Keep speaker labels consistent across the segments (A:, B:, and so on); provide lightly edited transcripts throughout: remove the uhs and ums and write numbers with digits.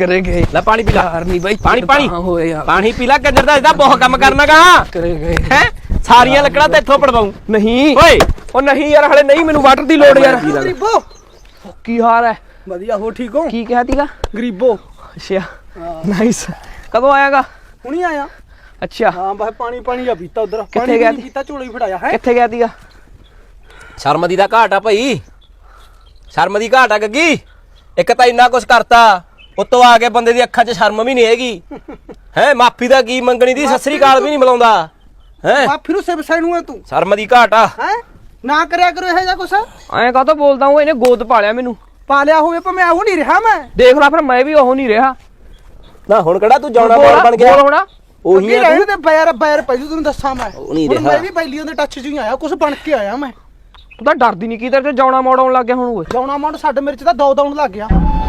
A: करे गए
B: ਲੈ ਪਾਣੀ ਪੀ ਲੈ
A: यार नहीं भाई
B: ਪਾਣੀ ਪਾਣੀ
A: होए यार
B: ਪਾਣੀ ਪੀ ਲੈ ਕੰਜਰ ਦਾ ਇਹਦਾ ਬਹੁਤ ਕੰਮ ਕਰਨਾਗਾ
A: करे गए
B: ਹੈ ਸਾਰੀਆਂ ਲੱਕੜਾਂ ਤੇ ਇੱਥੋਂ ਪੜਵਾਉਂ
A: नहीं
B: ਓਏ
A: ओ नहीं यार हले नहीं मैनू वाटर दी लोड़ यार
C: ਗਰੀਬੋ
A: की हाल है
C: ਵਧੀਆ ਹੋ ਠੀਕ ਹੋ
A: की कहती का
C: ਗਰੀਬੋ
A: अच्छा नाइस कदों आएगा
C: ਹੁਣੀ ਆਇਆ
A: अच्छा
C: ਹਾਂ ਬਸ ਪਾਣੀ ਆ ਪੀਤਾ ਉਧਰ
A: ਕਿੱਥੇ ਗਿਆ ਸੀ?
C: ਪੀਤਾ ਝੋਲਾ ਹੀ ਫੜਾਇਆ ਹੈ
A: किथे गया थीगा
B: ਸ਼ਰਮ ਦੀ ਦਾ ਘਾਟ ਆ ਭਾਈ ਸ਼ਰਮ ਦੀ ਘਾਟ ਆ ਗੱਗੀ ਇੱਕ ਤਾਂ ਇੰਨਾ ਕੁਛ ਕਰਤਾ ਉੱਤੋਂ ਆ ਕੇ ਬੰਦੇ ਦੀ ਅੱਖਾਂ 'ਚ ਸ਼ਰਮ ਵੀ ਨਹੀਂ ਹੈਗੀ ਹੈ ਮਾਫੀ ਦਾ ਕੀ ਮੰਗਣੀ ਦੀ ਸਤਿ ਸ੍ਰੀ ਅਕਾਲ ਵੀ ਨਹੀਂ ਬੁਲਾਉਂਦਾ ਹੈ
C: ਆ ਫਿਰ ਉਸੇ ਵਿਸ਼ੇ ਨੂੰ ਹੈ ਤੂੰ
B: ਸ਼ਰਮ ਦੀ ਘਾਟ ਆ
C: ਹੈ ਨਾ ਕਰਿਆ ਕਰੋ ਇਹ ਜਾਂ ਕੁਛ
A: ਐਂ ਕਾਹਤੋਂ ਬੋਲਦਾ ਹੂੰ ਇਹਨੇ ਗੋਦ ਪਾ ਲਿਆ ਮੈਨੂੰ
C: ਪਾਲਿਆ ਹੋਵੇ ਪਰ ਮੈਂ ਉਹ ਨਹੀਂ ਰਿਹਾ ਮੈਂ
A: ਦੇਖ ਲੈ ਫਿਰ ਮੈਂ ਵੀ ਉਹ ਨਹੀਂ ਰਿਹਾ
B: ਨਾ ਹੁਣ ਕਿਹੜਾ ਤੂੰ ਜਾਉਣਾ ਬੋਲ ਬਣ ਗਿਆ
A: ਬੋਲ ਹੋਣਾ
B: ਉਹੀ ਆ
C: ਰਹਿਣ ਤੇ ਬੈਰ ਪਹਿਲੂ ਤੈਨੂੰ ਦੱਸਾਂ ਮੈਂ
B: ਉਹ ਨਹੀਂ
C: ਹੁਣ
B: ਰਿਹਾ।
C: ਮੈਂ ਵੀ ਬੈਲੀਆਂ ਦੇ ਟੱਚ 'ਚ ਹੀ ਆਇਆ ਕੁਛ ਬਣ ਕੇ ਆਇਆ ਮੈਂ
A: ਤੂੰ ਤਾਂ ਡਰਦੀ ਨਹੀਂ ਕੀ ਤੇਰੇ ਤੇ ਜਾਉਣਾ ਮੋੜਾਉਣ ਲੱਗ ਗਿਆ ਹੁਣ ਓਏ
C: ਜਾਉਣਾ ਮੌਂਡ ਸਾਡੇ ਮੇਰੇ 'ਚ ਤਾਂ ਦੋ ਦੌਣ ਲੱਗ ਗਿਆ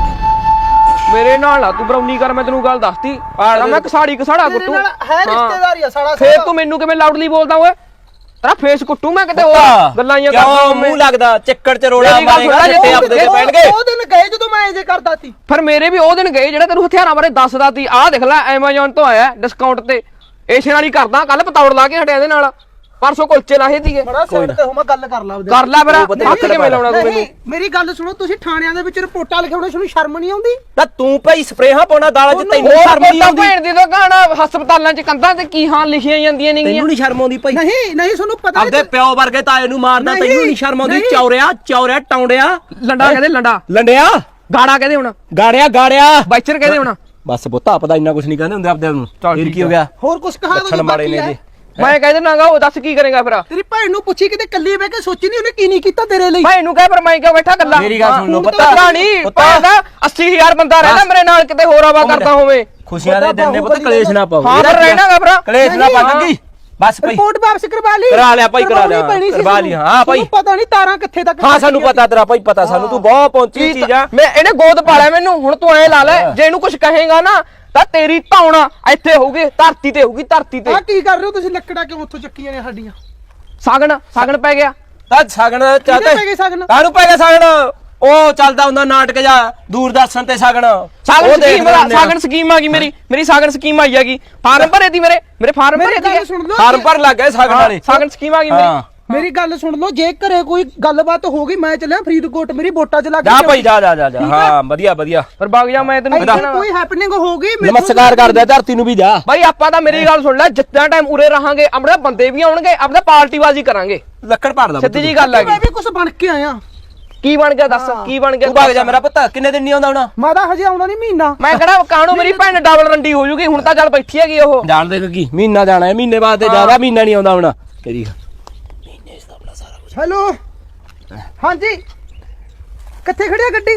A: ਮੇਰੇ ਨਾਲ ਨਾ ਤੂੰ ਬਰਾਉਨੀ ਕਰ ਮੈਂ ਤੈਨੂੰ ਗੱਲ ਦੱਸਤੀ ਆ ਮੈਂ ਕਸਾੜਾ
C: ਤੇਰੇ
A: ਕੁੱਟੂ
C: ਨਾਲ ਹੈ ਰਿਸ਼ਤੇਦਾਰੀ ਆ ਸਾਡਾ
A: ਫੇਰ ਤੂੰ ਮੈਨੂੰ ਕਿਵੇਂ ਲਾਊਡਲੀ ਬੋਲਦਾ ਓਏ ਤੇਰਾ ਫੇਸ ਕੁੱਟੂ ਮੈਂ ਕਿਤੇ ਹੋਰ ਗੱਲਾਂ ਹੀ
B: ਕਿਉਂ
A: ਕਰਦਾ
B: ਮੂੰਹ ਲੱਗਦਾ ਚੱਕੜ 'ਚ ਰੋੜਾ
A: ਮੇਰੀ ਗੱਲ
B: ਮਾਰੇਗਾ
A: ਸੁਣ ਲੈ,
B: ਜਿੱਤੇ ਆਪਦੇ ਤੇ ਪੈਣਗੇ
C: ਉਹ ਦਿਨ ਗਏ ਜਦੋਂ ਮੈਂ ਇਹ ਜੇ ਕਰਦਾ ਸੀ
A: ਫਿਰ ਮੇਰੇ ਵੀ ਉਹ ਦਿਨ ਗਏ ਜਿਹੜਾ ਤੈਨੂੰ ਹਥਿਆਰਾਂ ਬਾਰੇ ਦੱਸਦਾ ਸੀ ਆਹ ਦੇਖ ਲੈ Amazon ਤੋਂ ਆਇਆ ਡਿਸਕਾਊਂਟ ਤੇ ਏਸ਼ੀਅਨ ਵਾਲੀ ਕਰਦਾ ਕੱਲ ਪਤੌੜ ਲਾ ਕੇ ਹਟਿਆ ਇਹਦੇ ਨਾਲ ਪਰਸੋਂ ਕੁਲਚੇ ਲਾਹੇ ਸੀਗੇ
C: ਬੜਾ ਸਾਈਡ ਤੇ ਹੋ ਮੈਂ ਗੱਲ ਕਰ ਲਾ ਉਹਦੇ
A: ਕਰ ਲੈ ਫਿਰ ਹੱਥ ਕਿਵੇਂ ਲਾਉਣਾ ਤੂੰ ਮੈਨੂੰ
C: ਨਹੀਂ ਮੇਰੀ ਗੱਲ ਸੁਣੋ ਤੁਸੀਂ ਥਾਣਿਆਂ ਦੇ ਵਿੱਚ ਰਿਪੋਰਟਾਂ ਲਿਖਾਉਣੇ ਤੁਹਾਨੂੰ ਸ਼ਰਮ ਨਹੀਂ ਆਉਂਦੀ
B: ਤਾਂ ਤੂੰ ਭਾਈ ਸਪਰੇਹਾਂ ਪਾਉਣਾ ਦਾਲਾਂ 'ਚ ਤੈਨੂੰ ਸ਼ਰਮ ਨਹੀਂ ਆਉਂਦੀ
A: ਭੈਣ ਦੀ ਦੁਕਾਨ ਹਸਪਤਾਲਾਂ 'ਚ ਕੰਧਾਂ ਤੇ ਕੀ ਹਾਲ ਲਿਖੀਆਂ ਜਾਂਦੀਆਂ ਨੇਗੀਆਂ
B: ਤੈਨੂੰ ਨਹੀਂ ਸ਼ਰਮ ਆਉਂਦੀ ਭਾਈ
C: ਨਹੀਂ ਤੁਹਾਨੂੰ ਪਤਾ
B: ਆਪਦੇ ਪਿਓ ਵਰਗੇ ਤਾਏ ਨੂੰ ਮਾਰਦਾ
C: ਨਹੀਂ,
B: ਤੈਨੂੰ ਨਹੀਂ ਸ਼ਰਮ ਆਉਂਦੀ
C: ਨਹੀਂ।
B: ਚੌਰਿਆ ਟੌਂਡਿਆ
A: ਲੰਡਾ ਕਹਿੰਦੇ ਲੰਡਾ
B: ਲੰਡਿਆ
A: ਗਾੜਾ ਕਹਿੰਦੇ ਹੁਣ
B: ਗਾੜਿਆ
A: ਬਾਈਚਰ ਕਹਿੰਦੇ ਹੁਣ
B: ਬਸ ਪੁੱਤ ਆਪਦਾ ਇੰਨਾ ਕੁਝ ਨਹੀਂ ਕਹਿੰਦੇ ਹੁੰਦੇ ਆਪਦੇ ਨੂੰ
A: ਚੱਲ
B: ਫਿਰ
A: ਠੀਕ
B: ਕੀ ਹੋ ਗਿਆ
C: ਹੋਰ ਕੁਝ ਕਹਾ
B: ਲੱਛਣ ਮਾੜੇ ਨੇ ਜੀ
A: ਮੈਂ ਕਹਿੰਦੇ ਨਾਗਾ ਉਹ ਦੱਸ ਕੀ ਕਰੇਗਾ ਫਿਰ
C: ਤੇਰੀ ਭੈਣ ਨੂੰ ਪੁੱਛੀ ਕਿਤੇ ਕੱਲੀ ਬਹਿ ਕੇ ਸੋਚੀ ਨਹੀਂ ਉਹਨੇ ਕੀ ਨਹੀਂ ਕੀਤਾ ਤੇਰੇ ਲਈ
A: ਭਾਈ ਨੂੰ ਕਹਿ ਪਰ ਮੈਂ ਕਿਉਂ ਬੈਠਾ ਗੱਲਾਂ
B: ਮੇਰੀ ਗੱਲ ਸੁਣ ਲਓ
A: ਪਤਾ
B: ਪਤਾ
A: ਨਹੀਂ ਪਤਾ 80000 ਬੰਦਾ ਰਹਿੰਦਾ ਮੇਰੇ ਨਾਲ ਕਿਤੇ ਹੋਰ ਆਵਾ ਕਰਦਾ ਹੋਵੇ
B: ਖੁਸ਼ੀਆਂ ਦੇ ਦਿਨ ਨੇ ਪੁੱਤ ਕਲੇਸ਼ ਨਾ ਪਾਓ
A: ਹਾਂ ਫਿਰ ਰਹਿਣਾਗਾ ਫਿਰ
B: ਕਲੇਸ਼ ਨਾ ਪਾ ਲੱਗੀ ਬਸ ਭਾਈ
C: ਰਿਪੋਰਟ ਵਾਪਸ ਕਰਵਾ ਲਈ
B: ਕਰਾ ਲਿਆ ਭਾਈ, ਕਰਾ ਲਿਆ। ਕਰਵਾ ਲਈ, ਹਾਂ ਭਾਈ।
C: ਪਤਾ ਨਹੀਂ ਤਾਰਾਂ ਕਿੱਥੇ ਤੱਕ
B: ਹਾਂ ਸਾਨੂੰ ਪਤਾ ਤੇਰਾ ਭਾਈ ਪਤਾ ਸਾਨੂੰ ਤੂੰ ਬਹੁਤ ਪਹੁੰਚੀ ਚੀਜ਼ ਆ
A: ਮੈਂ ਇਹਨੇ ਗੋਦ ਪਾਲਿਆ ਮੈਨੂੰ ਹੁਣ ਤੂੰ ਐ ਲਾ ਲੈ ਜੇ ਇਹਨੂੰ ਕੁਝ ਕਹੇਗਾ ਨਾ ਤਾਂ ਤੇਰੀ ਧੌਣਾ ਇੱਥੇ ਹੋਊਗੀ ਧਰਤੀ ਤੇ ਹੋਊਗੀ ਧਰਤੀ ਤੇ
C: ਆ ਕੀ ਕਰ ਰਹੇ ਹੋ ਤੁਸੀਂ ਲੱਕੜਾਂ ਕਿਉਂ ਉੱਥੋਂ ਚੱਕੀਆਂ ਨੇ ਸਾਡੀਆਂ
A: ਸਾਗਣ ਪੈ ਗਿਆ
B: ਤਾਂ ਸਗਣ
C: ਕਿਹਦੇ ਪੈ ਗਏ ਸਗਨ
B: ਕਾਹਨੂੰ ਪੈ ਗਿਆ ਸਗਣ ਉਹ ਚੱਲਦਾ ਹੁੰਦਾ ਨਾਟਕ ਜਾ ਦੂਰਦਰਸ਼ਨ ਤੇ ਸਗਣ
A: ਸਾਗਣ ਸਕੀਮ ਆ ਗਈ ਮੇਰੀ ਸਾਗਣ ਸਕੀਮ ਆਈ ਹੈਗੀ ਫਾਰਮ ਭਰੇ ਦੀ ਮੇਰੇ ਫਾਰਮ ਭਰੇ ਦੀ
C: ਸੁਣ ਲਓ
B: ਫਾਰਮ ਭਰ ਲੱਗ ਗਏ ਸਗਣ ਵਾਲੇ
A: ਸਾਗਣ ਸਕੀਮ ਆ ਗਈ ਮੇਰੀ
C: ਮੇਰੀ ਗੱਲ ਸੁਣ ਲਓ ਜੇ ਘਰੇ ਕੋਈ ਗੱਲਬਾਤ ਹੋ ਗਈ ਮੈਂ ਚੱਲਿਆ ਫਰੀਦਕੋਟ ਮੇਰੀ ਵੋਟਾਂ ਚ ਲੱਗ
B: ਜਾ ਭਾਈ ਜਾ ਹਾਂ ਵਧੀਆ
A: ਪਰ ਬਾਗ ਜਾ ਮੈਂ ਤੈਨੂੰ
C: ਇੱਥੇ ਕੋਈ ਹੈਪਨਿੰਗ ਹੋ ਗਈ
B: ਨਮਸਕਾਰ ਕਰਦਾ ਧਰਤੀ ਨੂੰ ਵੀ ਜਾ
A: ਭਾਈ ਆਪਾਂ ਤਾਂ ਮੇਰੀ ਗੱਲ ਸੁਣ ਲੈ ਜਿੱਦਾਂ ਟਾਈਮ ਉਰੇ ਰਹਾਂਗੇ ਆਪਣੇ ਬੰਦੇ ਵੀ ਆਉਣਗੇ ਆਪਣੇ ਪਾਰਟੀਬਾਜ਼ੀ ਕਰਾਂਗੇ
B: ਲੱਕੜ ਭਰਦਾ
A: ਸਿੱਧੀ ਜੀ ਗੱਲ
C: ਮੈਂ
A: ਹੈਗੀ
C: ਵੀ ਕੁਝ ਬਣ ਕੇ ਆਇਆ
A: ਕੀ ਬਣ ਗਿਆ ਦੱਸ ਕੀ ਬਣ ਗਿਆ
B: ਤੂੰ ਭਾਗ ਜਾ ਮੇਰਾ ਪੁੱਤ ਕਿੰਨੇ ਦਿਨ ਨਹੀਂ ਆਉਂਦਾ ਹੁਣ
C: ਮੈਂ ਤਾਂ ਹਜੇ ਆਉਂਦਾ ਨਹੀਂ ਮਹੀਨਾ
A: ਮੈਂ ਕਿਹੜਾ ਕਾਣੋ ਮੇਰੀ ਭੈਣ ਡਬਲ ਰੰਡੀ ਹੋ ਜੂਗੀ ਹੁਣ ਤਾਂ ਚੱਲ ਬੈਠੀ ਹੈਗੀ ਉਹ
B: ਜਾਣ ਦੇ ਕੀ ਮਹੀਨਾ ਜਾਣਾ ਹੈ ਮਹੀਨੇ ਬਾਅਦ ਤੇ ਜ਼ਿਆਦਾ ਮਹੀਨਾ ਨਹੀਂ ਆਉਂਦਾ ਹੁਣ ਤੇਰੀ ਮਹੀਨੇ ਇਸ ਦਾ ਆਪਣਾ ਸਾਰਾ ਕੁਝ
C: ਹੈਲੋ ਹਾਂਜੀ ਕਿੱਥੇ ਖੜਿਆ ਗੱਡੀ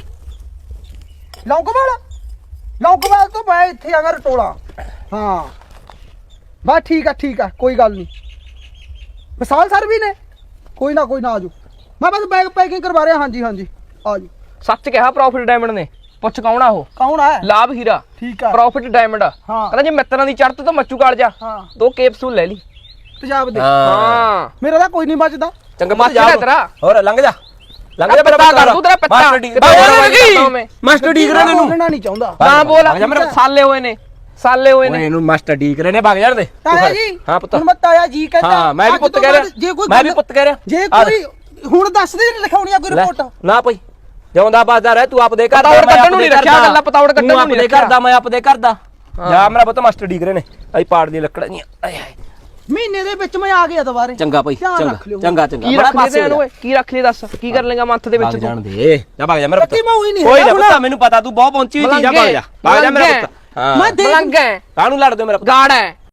C: ਲੌਂਗੋਵਾਲ ਤੋਂ ਮੈਂ ਇੱਥੇ ਆਗਾ ਰਟੋਲਾ ਹਾਂ ਬਸ ਠੀਕ ਆ ਕੋਈ ਗੱਲ ਨਹੀਂ ਵਿਸਾਲ ਸਰ ਵੀ ਨੇ ਕੋਈ ਨਾ ਆਜੋ ਮੈਂ ਬਸ ਬੈਗ ਪੈਕਿੰਗ ਕਰਵਾ ਰਿਹਾ ਹਾਂਜੀ ਆਜੋ
A: ਸੱਚ ਕਿਹਾ ਪ੍ਰੋਫਿਟ ਡਾਇਮੰਡ ਨੇ ਪੁੱਛ ਕੌਣ ਆ ਉਹ
C: ਕੌਣ ਹੈ
A: ਲਾਭ ਹੀਰਾ
C: ਠੀਕ ਆ
A: ਪ੍ਰੋਫਿਟ ਡਾਇਮੰਡ
C: ਹਾਂ।
A: ਕਹਿੰਦਾ ਜੇ ਮਿੱਤਰਾਂ ਦੀ ਚੜ੍ਹਤ ਤਾਂ ਮੱਚੂ ਕਾਲ ਜਾ
C: ਹਾਂ
A: 2 ਕੈਪਸੂਲ ਲੈ ਲਈ
C: ਤੇਜ਼ਾਬ ਦੇ
A: ਹਾਂ
C: ਮੇਰਾ ਤਾਂ ਕੋਈ ਨਹੀਂ ਬਚਦਾ
B: ਚੰਗਾ
A: ਮੱਚ ਜਾ ਤੇਰਾ
B: ਹੋਰ ਲੰਘ ਜਾ
A: ਮੇਰਾ ਪੱਤਾ ਕਰ ਤੂੰ ਤੇਰਾ ਪੱਤਾ
B: ਮਾਸਟਰ ਡੀਗਰੇ ਨੇ ਨੂੰ
C: ਬੋਲਣਾ ਨਹੀਂ ਚਾਹੁੰਦਾ
A: ਨਾ ਬੋਲ
B: ਭਾਗ ਜਾ ਮੇਰਾ
A: ਸਾਲੇ ਹੋਏ ਨੇ
B: ਓਏ ਇਹਨੂੰ ਮਾਸਟਰ ਡੀਗਰੇ ਨੇ ਭਾਗ ਜਾਣ ਦੇ
C: ਤਾਇਆ ਜੀ
B: ਹਾਂ ਪੁੱਤ
C: ਹੁਣ ਮੈਂ ਤਾਇਆ ਜੀ ਕਹਿੰਦਾ
B: ਹਾਂ ਮੈਂ ਵੀ
C: ਅੱਜ
B: ਪੁੱਤ
C: ਤੋਂ
B: ਕਹਿ
C: ਬਾਅਦ
B: ਰਿਹਾ
C: ਜੇ ਕੋਈ
B: ਮੈਂ ਵੀ ਪੁੱਤ ਕਹਿ ਰਿਹਾ
C: ਜੇ ਕੋਈ ਹੁਣ ਦੱਸ ਦੇ ਲਿਖਾਉਣੀ ਆ ਕੋਈ ਰਿਪੋਰਟ
B: ਨਾ ਭਾਈ ਜਿਉਂਦਾ ਬਾਜ਼ਾਰ ਹੈ ਤੂੰ ਆਪਦੇ ਘਰ ਦਾ
A: ਪਤੌੜ ਕੱਢਣ ਨੂੰ ਨਹੀਂ ਰੱਖਿਆ ਗੱਲਾਂ ਪਤੌੜ ਕੱਢਣ ਨੂੰ ਨਹੀਂ
B: ਰੱਖਿਆ ਕਰਦਾ ਮੈਂ ਆਪਦੇ ਘਰ ਦਾ ਜਾ ਮੇਰਾ ਪੁੱਤ ਮਾਸਟਰ ਡੀਗਰੇ ਨੇ ਆਈ ਪਾੜ ਦੀ ਲੱਕੜਾਂ ਦੀਆਂ ਆਏ ਹਾਏ
C: ਮਹੀਨੇ ਦੇ ਵਿੱਚ ਮੈਂ ਆ ਗਿਆ ਦੁਬਾਰੇ
B: ਚੰਗਾ ਭਾਈ
C: ਧਿਆਨ ਰੱਖ ਲਿਓ।
B: ਚੰਗਾ
A: ਕੀ ਰੱਖ ਲਈ ਤੈਨੂੰ ਓਏ ਕੀ ਰੱਖ ਲਈ ਦੱਸ ਕੀ ਕਰ ਲੇਗਾ ਮੰਥ ਦੇ ਵਿੱਚ ਤੂੰ
B: ਜਾਣ ਦੇ ਜਾ ਭਾਗ ਜਾ ਮੇਰਾ ਪੁੱਤ
C: ਕੱਤੀ ਮੈਂ ਉਹੀ ਨਹੀਂ
B: ਕੋਈ
C: ਹੈਗਾ
B: ਨਾ ਪੁੱਤ ਮੈਨੂੰ ਪਤਾ ਤੂੰ ਬਹੁਤ ਪਹੁੰਚੀ ਹੋਈ ਚੀਜ਼ ਆ ਭਾਗ ਜਾ ਮੇਰਾ ਪੁੱਤ ਹਾਂ
C: ਮੈਂ ਦੇਖ
A: ਮਲੰਗ ਹੈ
B: ਕਾਹਨੂੰ ਲੜਦੇ ਹੋ ਮੇਰਾ ਪੁੱਤ
A: ਗਾੜ ਹੈ